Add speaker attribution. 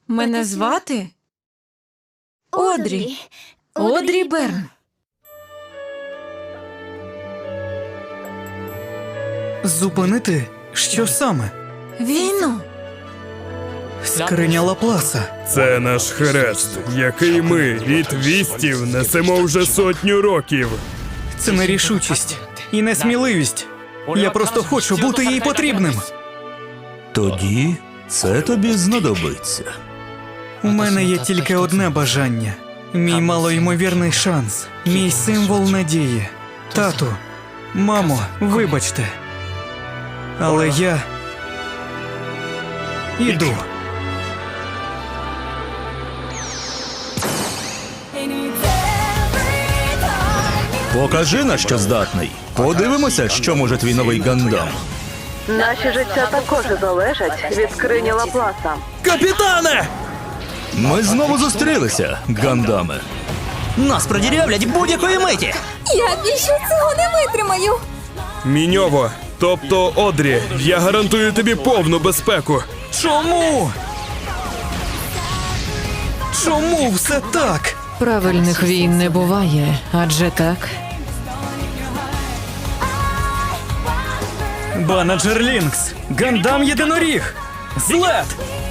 Speaker 1: Мене звати Одрі. Одрі Берн.
Speaker 2: Зупинити? Що саме?
Speaker 1: Війну.
Speaker 2: Скриня Лапласа.
Speaker 3: Це наш хрест, який ми від вістів несемо вже 100 років.
Speaker 2: Це нерішучість і несміливість. Я просто хочу бути їй потрібним.
Speaker 4: Тоді це тобі знадобиться.
Speaker 2: У мене є тільки одне бажання. Мій малоймовірний шанс. Мій символ надії. Тату, мамо, вибачте. Але я іду.
Speaker 4: Покажи, на що здатний. Подивимося, що може твій новий Гандам.
Speaker 5: Наші життя також залежать від скрині Лапласа.
Speaker 3: Капітане!
Speaker 4: Ми знову зустрілися, Гандами.
Speaker 6: Нас продірявлять будь-якої миті.
Speaker 7: Я більше цього не витримаю.
Speaker 3: Міньово, тобто Одрі, я гарантую тобі повну безпеку.
Speaker 2: Чому? Чому все так?
Speaker 8: Правильних війн не буває, адже так.
Speaker 2: Банаджер Лінкс, Гандам Єдиноріг, Злет!